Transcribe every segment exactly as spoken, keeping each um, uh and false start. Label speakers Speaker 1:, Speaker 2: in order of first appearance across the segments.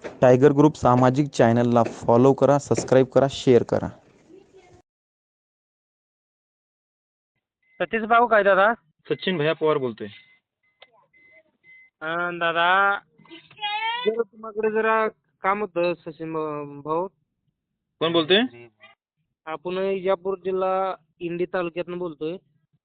Speaker 1: Tiger group सामाजिक चॅनलला follow करा, सबस्क्राईब करा, शेअर करा.
Speaker 2: सतीश भाऊ काय दादा?
Speaker 3: सचिन भैया पवार बोलतोय.
Speaker 2: अं, दादा जरा तुम्हाकडे जरा काम होतं सचिन भा- भाऊ.
Speaker 3: कोण बोलतोय?
Speaker 2: आपण इजापूर जिल्हा इंडी तालुक्यातून बोलतोय.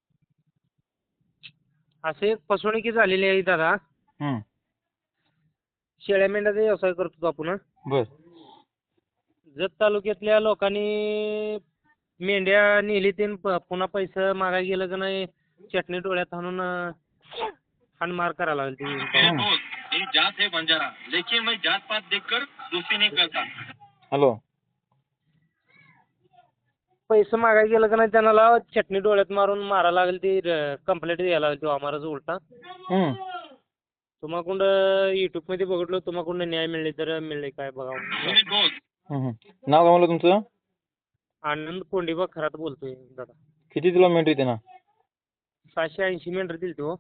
Speaker 2: असे एक फसवणुकी झालेली आहे दादा.
Speaker 3: हं.
Speaker 2: शेळ्या मेंढ्याचा व्यवसाय करतो आपण.
Speaker 3: बर.
Speaker 2: जत तालुक्यातल्या लोकांनी मेंढ्या नेली ते पुन्हा पैसे मागायला गेलं का नाही चटणी डोळ्यात हाणून अं, हाणमार करायला लागली ती भाऊ.
Speaker 4: मेरी जात है बंजारा लेकिन मैं जात पात देखकर दोस्ती नहीं करता.
Speaker 3: हॅलो.
Speaker 2: पैसे मागायला गेलं का नाही त्यांना चटणी डोळ्यात मारून मारायला लागली ती कंप्लेंट द्यायला लागली तो आम्हालाच उलटा.
Speaker 3: हं.
Speaker 2: तुम्हाकडं युट्यूब मध्ये बघितलं तुम्हाकडून न्याय मिळले तर मिळले काय बघा.
Speaker 4: मेरे दोस्त
Speaker 3: हं, हं. नाव काय म्हणलं तुमचं?
Speaker 2: आनंद कोंडीबा खरात बोलतोय दादा.
Speaker 3: किती तुला मिनिट येते ना?
Speaker 2: सहाशे ऐंशी मेंढर दिली ती हो.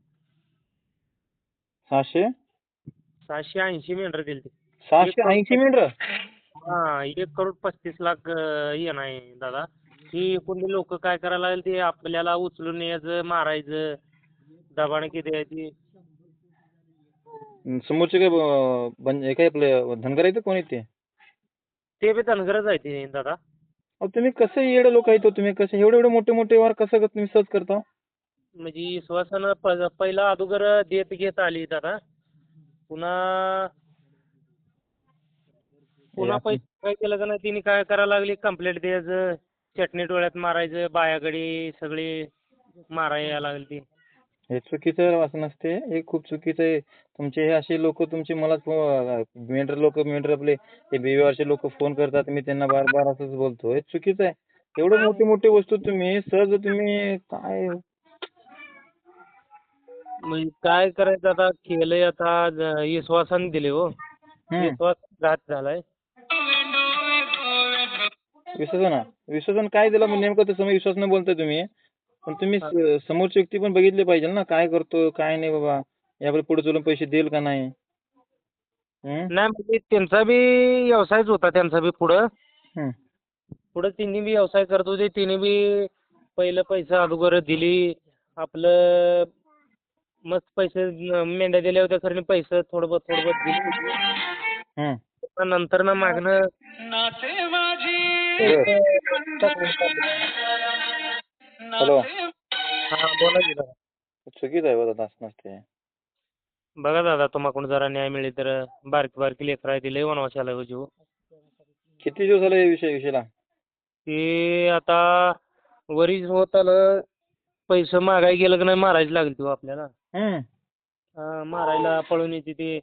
Speaker 3: सहाशे
Speaker 2: सहाशे ऐंशी मेंढर दिली ती.
Speaker 3: सहाशे ऐंशी मिनिट.
Speaker 2: हा एक करोड पस्तीस लाख अं, हे नाही दादा. ही कोणी लोक काय करायला लागले ते आपल्याला उचलून यायचं मारायचं दबाण किती आहे ती.
Speaker 3: समोरचे काय ब- बन- हे काय आपले धनगर आहेत कोण आहेत ते?
Speaker 2: ते बी धनगरच आहे ते दादा.
Speaker 3: अहो तुम्ही कसं येडे लोक आहेत हो तुम्ही, कसे एवढे एवढे मोठे मोठे वार कसं क- तुम्ही सहज करता?
Speaker 2: म्हणजे विश्वासानं प- पहिला अगोदर देत घेत आली दादा. पुन्हा पुन्हा
Speaker 3: असं-
Speaker 2: पैसे काय केलं का नाही तिने काय करायला लागली कंप्लेंट द्यायचं चटणी डोळ्यात मारायचं बायागडी सगळी मारायला यायला लागली ती.
Speaker 3: हे चुकीचं आहे, असं नसते. हे खूप चुकीचं आहे. तुमचे हे असे लोक तुमचे मला मेंढर लोक मेंढर आपले हे बेवारचे लोक फोन करतात, मी त्यांना बार बार असंच बोलतो. हे चुकीचं आहे. एवढे मोठे मोठे वस्तू तुम्ही सहज तुम्ही काय
Speaker 2: म्हणजे काय करायचं आता केलंय आता ज- विश्वासाने दिले हो.
Speaker 3: हं.
Speaker 2: विश्वास घात झालाय.
Speaker 3: विश्वासन विश्वासन काय दिला मग नेमकं तसं मग विश्वास न बोलताय तुम्ही. पण तुम्ही स- समोरची व्यक्ती पण बघितली पाहिजे ना, काय करतो काय नाही बाबा, यापुढे पुढे चलून पैसे देईल का नाही. हं?
Speaker 2: नाही म्हणजे त्यांचा बी व्यवसायच होता त्यांचा बी पुढं.
Speaker 3: हं.
Speaker 2: पुढं तिन्ही बी व्यवसाय करत होते. तिन्ही बी पहिलं पैसे अगोदर दिली आपलं मस्त पैसे न- मेंढ्या दिल्या होत्या खरं पैसे थोडं बहुत थोडं बहुत दिली होती.
Speaker 3: हं.
Speaker 2: पण नंतर ना मागणं
Speaker 4: नाते माझी
Speaker 3: हॅलो.
Speaker 2: हा बोला की दादा.
Speaker 3: चुकीचं आहे बघा, असं नसते.
Speaker 2: बघा दादा तुम्हाकडून जरा न्याय मिळेल तर बारकी बारकी लेकरं आहे ती लय वनवासाला हो जीव.
Speaker 3: किती दिवस झाले या विषय विषयाला?
Speaker 2: ते आता वरीच होत आलं पैसे मागायला गेलं की नाही मारायला लागली ती हो आपल्याला.
Speaker 3: हं.
Speaker 2: हा, मारायला पळून येते ते.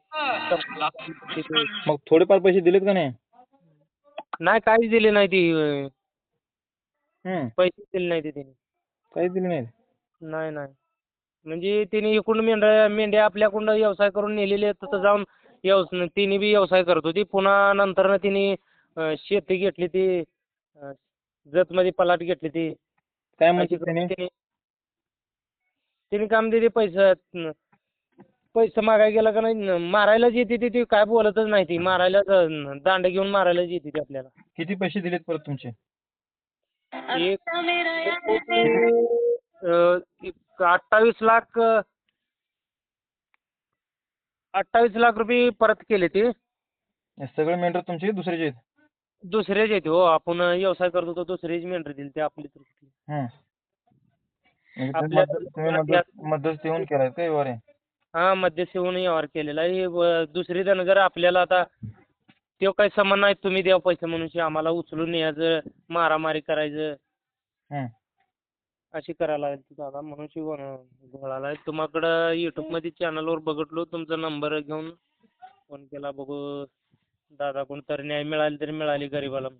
Speaker 3: मग थोडेफार पैसे दिलेत का नाही?
Speaker 2: नाही काहीच दिले नाही ती.
Speaker 3: हं.
Speaker 2: पैसे दिले नाही ते तिने.
Speaker 3: काहीच दिले नाहीत.
Speaker 2: नाही नाही म्हणजे तिने इकडून मेंढ्या मेंढ्या आपल्याकडून व्यवसाय करून नेलेले आहेत तिथं जाऊन व्यवसाय तिने बी व्यवसाय करत होती. पुन्हा नंतर तिने अं, शेती घेतली ती अं, जतमध्ये पलाट घेतली ती.
Speaker 3: काय
Speaker 2: अशी
Speaker 3: म्हणतात
Speaker 2: करून
Speaker 3: त्याने?
Speaker 2: तिने तिने काम दिली पैसे पैसे मागायला गेला का नाही न- मारायलाच येते ती ती काय बोलतच नाही ती. मारायला दांड घेऊन मारायलाच येते ती आपल्याला.
Speaker 3: किती पैसे दिलेत परत तुमचे?
Speaker 2: एक अं, एक अठ्ठावीस लाख अठ्ठावीस लाख रुपये परत केले ते.
Speaker 3: हे सगळे मेंढर तुमचे दुसऱ्याचे आहेत?
Speaker 2: दुसरेच येते हो. आपण व्यवसाय करत होतो दुसरेच मेंढर दिली ते आपली तर कुठली.
Speaker 3: हं. म्हणजे तुम्ही
Speaker 2: आपल्या-
Speaker 3: मध्य- तुम्ही मध्य- मध्यस्थी होऊन केलाय का व्यवहार हे?
Speaker 2: हा मध्यस्थी होऊन व्यवहार केलेला आहे. हे व- दुसरी धनगर आपल्याला आता तो काही संबंध नाही तुम्ही द्या पैसे म्हणून शे आम्हाला उचलून न्यायचं मारामारी करायचं
Speaker 3: हं.
Speaker 2: अशी करायला लागली दादा म्हणून शिवण घोळाला तुम्हाकडं युट्यूब मध्ये चॅनलवर बघितलो तुमचा नंबर घेऊन फोन केला बघू दादा कोण तर न्याय मिळाली तरी मिळाली गरीबाला.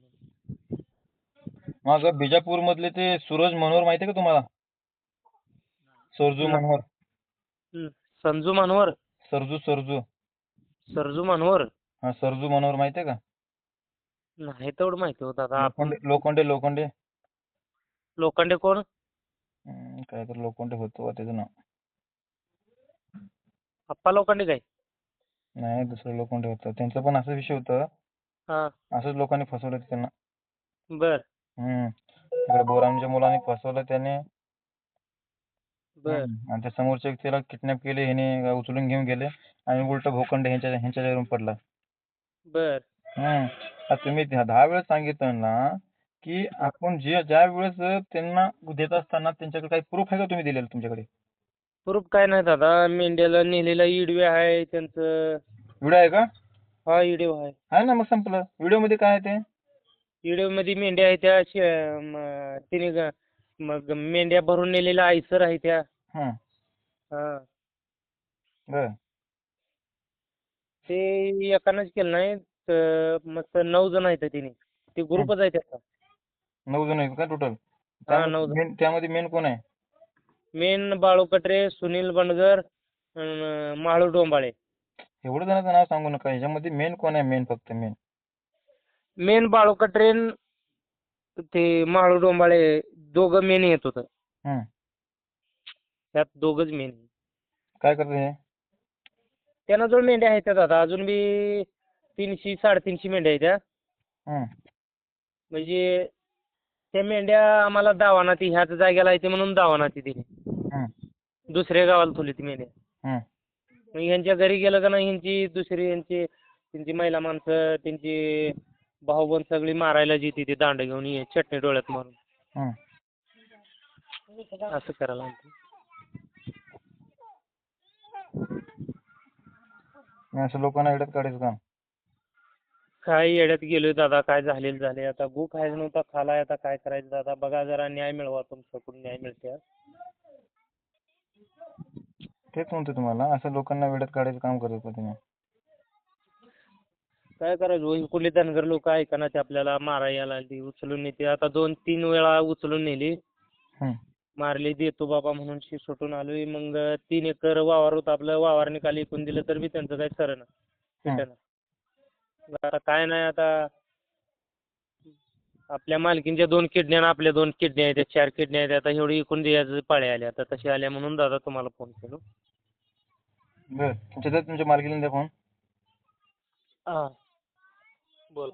Speaker 3: मग बिजापूर मधले ते सूरज मनोहर माहिती आहे का तुम्हाला? सरजू मनोहर.
Speaker 2: हं. संजू मानवर
Speaker 3: सरजू सरजू
Speaker 2: सरजू मानवर
Speaker 3: हा सरजू मनोहर माहिती आहे का?
Speaker 2: नाही तेवढं माहिती हो दादा. आपण
Speaker 3: लोखंडे लोखंडे लोखंडे
Speaker 2: लोखंडे कोण?
Speaker 3: हं, काय तर लोखंडे होतो बा त्याचं नाव.
Speaker 2: आप्पा लोखंडे काय?
Speaker 3: नाही दुसरे लोक कोण ठेवतात त्यांचं पण असं विषय होतं.
Speaker 2: हा
Speaker 3: असंच लोकांनी फसवलं होतं त्यांना.
Speaker 2: बर
Speaker 3: हम्म इकडे बोरामच्या मुलांनी फसवलं त्याने.
Speaker 2: बर
Speaker 3: हम्म. आणि त्या समोरच्या व्यक्तीला किडनॅप केले ह्याने उचलून घेऊन गेले आणि उलट भूखंड ह्यांच्या ह्यांच्या येऊन पडला.
Speaker 2: बर
Speaker 3: हम्म आता तुम्ही दहा दहा वेळेस सांगितलं ना की आपण जे ज्या वेळेस त्यांना देत असताना त्यांच्याकडे काही प्रूफ आहे का तुम्ही दिलेलं तुमच्याकडे?
Speaker 2: प्रूफ काय नाही दादा, मेंढ्याला नेलेला ईडवे आहे त्यांचं.
Speaker 3: व्हिडिओ आहे का?
Speaker 2: हा ईडव आहे.
Speaker 3: आहे ना मग संपलं. व्हिडिओ मध्ये काय आहे ते?
Speaker 2: ईडव मध्ये मेंढ्या आहेत त्या शे- म- तिने ग- मग मेंढ्या भरून नेलेल्या आयसर आहे त्या.
Speaker 3: हं
Speaker 2: हा
Speaker 3: बर
Speaker 2: ते एकानंच केलं नाही तर मस्त नऊ जण आहेत तिने. ते ग्रुपच आहे त्याचा.
Speaker 3: नऊ जण आहेत का टोटल?
Speaker 2: हा नऊ जण.
Speaker 3: त्यामध्ये त्यामध्ये मेन कोण आहे?
Speaker 2: मेन बाळू कटरे, सुनील बंडगर, अन माळू डोंबाळे.
Speaker 3: एवढं जणांचं नाव सांगू नका. ह्याच्यामध्ये मेन कोण आहे? मेन फक्त मेन
Speaker 2: मेन बाळू कटरे न ते माळू डोंबाळे दोघं मेन येत होतं.
Speaker 3: हं
Speaker 2: त्यात दोघंच मेन.
Speaker 3: काय करतं हे?
Speaker 2: त्यांना जो मेंढ्या आहेत त्या दादा अजून बी तीनशे साडेतीनशे मेंढ्या आहेत त्या.
Speaker 3: हं
Speaker 2: म्हणजे त्या मेंढ्या आम्हाला दावाना ती ह्याच जागेला येते म्हणून दावाना ती दिली.
Speaker 3: हं
Speaker 2: दुसऱ्या गावाला ठेवली ती मेंढ्या.
Speaker 3: हं
Speaker 2: मग ह्यांच्या घरी गेलं का नाही ह्यांची दुसरी ह्यांची त्यांची महिला माणसं त्यांची भाऊबंद सगळी मारायला जी ती दांड घेऊन ये चटणी डोळ्यात मारून
Speaker 3: हं
Speaker 2: असं करायला लागतं.
Speaker 3: मी असं लोकांना येड्यात काढायचं काम.
Speaker 2: काय येड्यात गेलोय दादा, काय झालेलं झाले. आता गु खायचं नव्हता खालाय, आता काय करायचं दादा. बघा जरा न्याय मिळवा, तुमच्याकडून न्याय मिळते.
Speaker 3: तेच म्हणतो तुम्हाला असं लोकांना वेड्यात काढायचं काम करत होता तुम्ही.
Speaker 2: काय करायचं कुठली धनगर लोक ऐकाना ते आपल्याला मारायला ती उचलून नेते. आता दोन तीन वेळा उचलून नेली,
Speaker 3: हं
Speaker 2: मारली. देतो बाबा म्हणून शी सुटून आलोय. मग तीन एकर वावर होतं आपलं, वावर निकाली ऐकून दिलं तर बी त्यांचं काही खरं ना. आता काय नाही, आता आपल्या मालकींच्या दोन किडन्या आणि आपल्या दोन किडन्या आहेत, चार किडन्या आहेत. आता एवढी इकून द्यायचं पाळ्या आल्या. आता तशी आल्या म्हणून दादा तुम्हाला फोन केलो.
Speaker 3: बर तुमच्या तर तुमच्या मालकीला द्या फोन.
Speaker 2: हा बोल.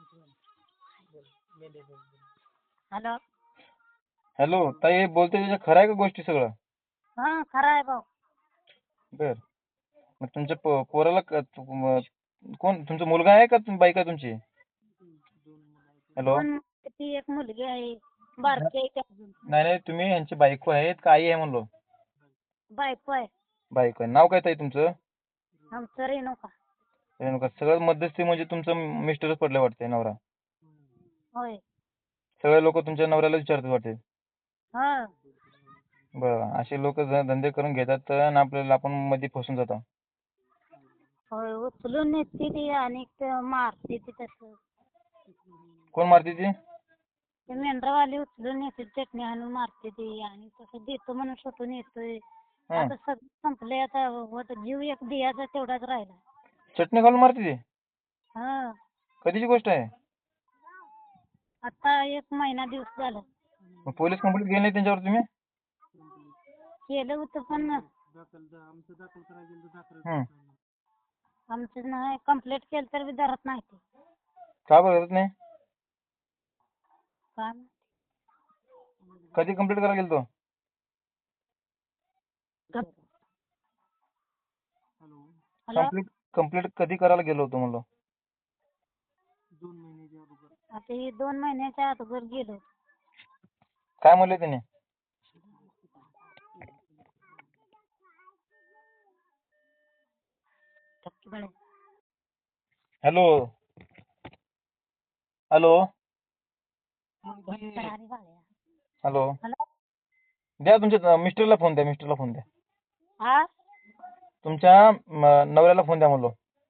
Speaker 5: हॅलो.
Speaker 3: हॅलो ताई बोलते त्याच्या खरं आहे का गोष्टी सगळं?
Speaker 5: हा खरं आहे भाऊ.
Speaker 3: बर मग तुमच्या पो- पोराला क- तु- म- कोण तुमचा मुलगा आहे का तुम- बायका आहे तुमची? हॅलो.
Speaker 5: दोन ती एक मुलगी आहे बारकी आहे ती अजून.
Speaker 3: नाही नाही तुम्ही ह्यांची बायको आहेत का आई आहे म्हणलो?
Speaker 5: बायको आहे.
Speaker 3: बायको आहे. नाव काय ताई तुमचं?
Speaker 5: आमचं रेणुका.
Speaker 3: रेणुका. सगळ्यात मध्यस्थी म्हणजे तुमचं मिस्टरच पडले वाटते नवरा.
Speaker 5: होय.
Speaker 3: सगळे लोक तुमच्या नवऱ्याला विचारतात वाटते.
Speaker 5: हा
Speaker 3: बरं असे लोक धंदे करून घेतात आणि आपल्याला आपण मध्ये फसून जातो.
Speaker 5: होय उचलून नेते ती आणि ते मारते ती तसं.
Speaker 3: कोण मारते ती?
Speaker 5: ते मेंढरावाली उचलून नेते चटणी आणून मारते ती आणि तसं देतो म्हणून सुटून येतोय.
Speaker 3: हं.
Speaker 5: आता सगळं संपलंय आता होत जीव एक दियाचा तेवढाच राहिला.
Speaker 3: चटणी घालून मारते ती?
Speaker 5: हा
Speaker 3: कधीची गोष्ट आहे?
Speaker 5: आता एक महिना दिवस झाला.
Speaker 3: मग पोलीस कंप्लेंट केली नाही त्यांच्यावर तुम्ही?
Speaker 5: केलं होतं पण
Speaker 3: हं.
Speaker 5: आमचं नाही कंप्लेंट केलं तर बी धरत नाही ते.
Speaker 3: का बरं करत नाही?
Speaker 5: काय
Speaker 3: कधी कंप्लेंट करायला गेलतो?
Speaker 5: हॅलो.
Speaker 3: कंप्लीट कंप्लीट कधी करायला गेलो होतो म्हणलो?
Speaker 5: आता हे दोन महिन्याच्या अगोदर गेलो.
Speaker 3: काय म्हणले त्याने? Hello hello hello
Speaker 5: hello.
Speaker 3: द्या तुमच्या मिस्टरला फोन द्या. मिस्टरला फोन द्या.
Speaker 5: हा
Speaker 3: तुमच्या म, नवऱ्याला फोन द्या म्हणलो.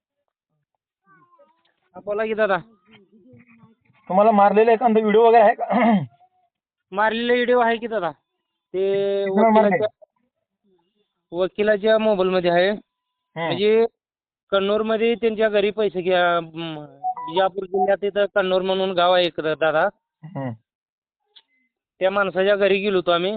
Speaker 2: हा, बोला की दादा.
Speaker 3: तुम्हाला मारलेला एखादा व्हिडिओ वगैरे आहे का?
Speaker 2: मारलेला व्हिडिओ आहे की दादा. ते
Speaker 3: किती वेळा मारले?
Speaker 2: वकिलाच्या वकिलाच्या मोबाईल मध्ये आहे.
Speaker 3: हं.
Speaker 2: म्हणजे कन्नूर मध्ये त्यांच्या घरी पैसे घ्या म, बिजापूर जिल्ह्यात इथं कन्नूर म्हणून गाव आहे एक दादा.
Speaker 3: हं.
Speaker 2: त्या माणसाच्या घरी गेलो होतो आम्ही.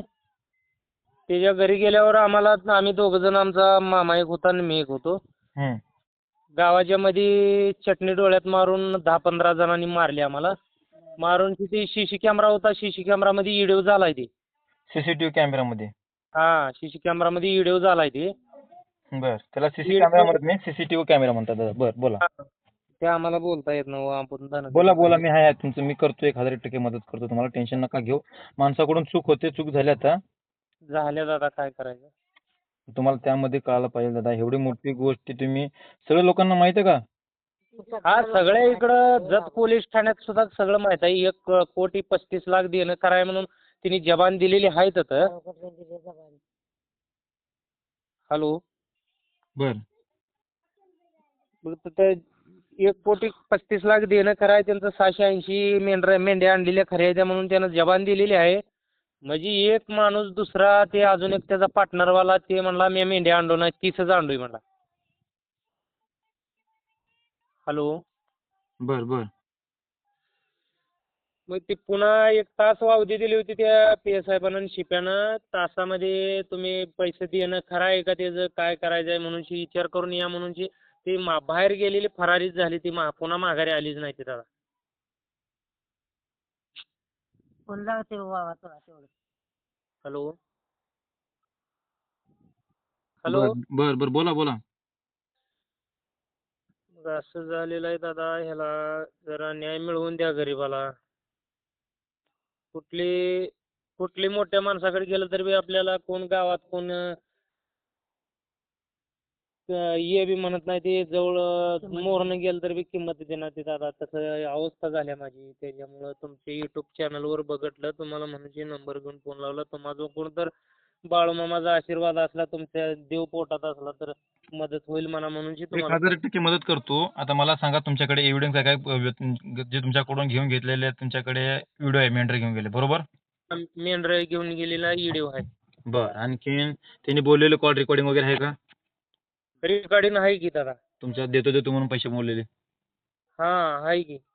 Speaker 2: त्याच्या घरी गेल्यावर आम्हाला आम्ही दोघ जण, आमचा मामा एक होता आणि मी एक होतो.
Speaker 3: हं.
Speaker 2: गावाच्या मध्ये चटणी डोळ्यात मारून दहा पंधरा जणांनी मारली आम्हाला. मारून तिथे सी सी कॅमेरा होता, सी सी कॅमेरामध्ये व्हिडिओ झालाय ते.
Speaker 3: सीसीटीव्ही कॅमेरामध्ये.
Speaker 2: हा सी सी कॅमेरामध्ये व्हिडिओ झालाय ते.
Speaker 3: बर, त्याला सीसी
Speaker 2: Video-
Speaker 3: कॅमेरा म्हणत नाही, सीसीटीव्ही कॅमेरा म्हणतात दादा. बर, बोला
Speaker 2: हा. ते आम्हाला बोलता येत नव्हतं आपण धनगर
Speaker 3: बोला बोला मी आहे तुमचं, मी करतो एक हजार टक्के मदत करतो तुम्हाला, टेन्शन नका घेऊ. माणसाकडून चूक होते, चूक झाली आता.
Speaker 2: झाल्या दादा काय करायचं.
Speaker 3: तुम्हाला त्यामध्ये कळायला पाहिजे दादा, एवढी मोठी गोष्ट तुम्ही सगळ्या लोकांना माहिती आहे का?
Speaker 2: हा सगळ्या इकडं जत पोलीस ठाण्यात सुद्धा सगळं माहित आहे. एक कोटी पस्तीस लाख देणं कराय म्हणून तिने जबान दिलेली आहे तर. हॅलो.
Speaker 3: बर.
Speaker 2: मग तिथं एक कोटी पस्तीस लाख देणं कराय, त्यांचं सहाशे ऐंशी मेंढर मेंढ्या आणलेल्या खऱ्या द्या म्हणून त्यानं जबान दिलेली आहे. म्हणजे एक माणूस दुसरा ते अजून एक त्याचा पार्टनरवाला ते म्हणला मी मेंढ्या आणलो नाही, तीसच आणलोय म्हणला. हॅलो.
Speaker 3: बर बर.
Speaker 2: मग ते पुन्हा एक तास वावदी दिली होती त्या पी एस साहेबांना आणि शिप्यानं. तासामध्ये तुम्ही पैसे देणं खरं आहे का, त्याचं काय करायचं आहे म्हणून विचार करून या म्हणून ती मा बाहेर गेलेली फरारीच झाली. ती मा पुन्हा माघारी आलीच नाही ती दादा. हॅलो. हॅलो.
Speaker 3: बर बर बर, बोला बोला.
Speaker 2: मग असं झालेलं आहे दादा, ह्याला जरा न्याय मिळवून द्या गरीबाला. कुठली कुठली मोठ्या माणसाकडे गेलं तरी बी आपल्याला कोण गावात कोण अं, ये बी म्हणत नाही. ते जवळ मोरनं गेलं तर बी किंमत देणार ते दादा. तसं अवस्था झाल्या माझी. त्याच्यामुळं तुमच्या युट्यूब चॅनलवर बघितलं, तुम्हाला म्हणून नंबर घेऊन फोन लावला. तुम्हाला जो कोण तर बाळूमामाचा आशीर्वाद असला, तुमच्या देव पोटात असला तर मदत होईल म्हणा म्हणून
Speaker 3: एक
Speaker 2: तुम्हाला.
Speaker 3: हजार टक्के मदत करतो. आता मला सांगा तुमच्याकडे एव्हिडन्स काय काय जे तुमच्याकडून घेऊन घेतलेले आहेत, तुमच्याकडे व्हिडिओ आहे मेंढर घेऊन गेले बरोबर?
Speaker 2: मेंढर घेऊन गेलेला व्हिडिओ आहे.
Speaker 3: बर, आणखीन त्यांनी बोललेले कॉल रेकॉर्डिंग वगैरे आहे का?
Speaker 2: रेकॉर्डिंग आहे की दादा.
Speaker 3: तुमच्या देतो देतो म्हणून पैसे बोललेले?
Speaker 2: हा आहे की.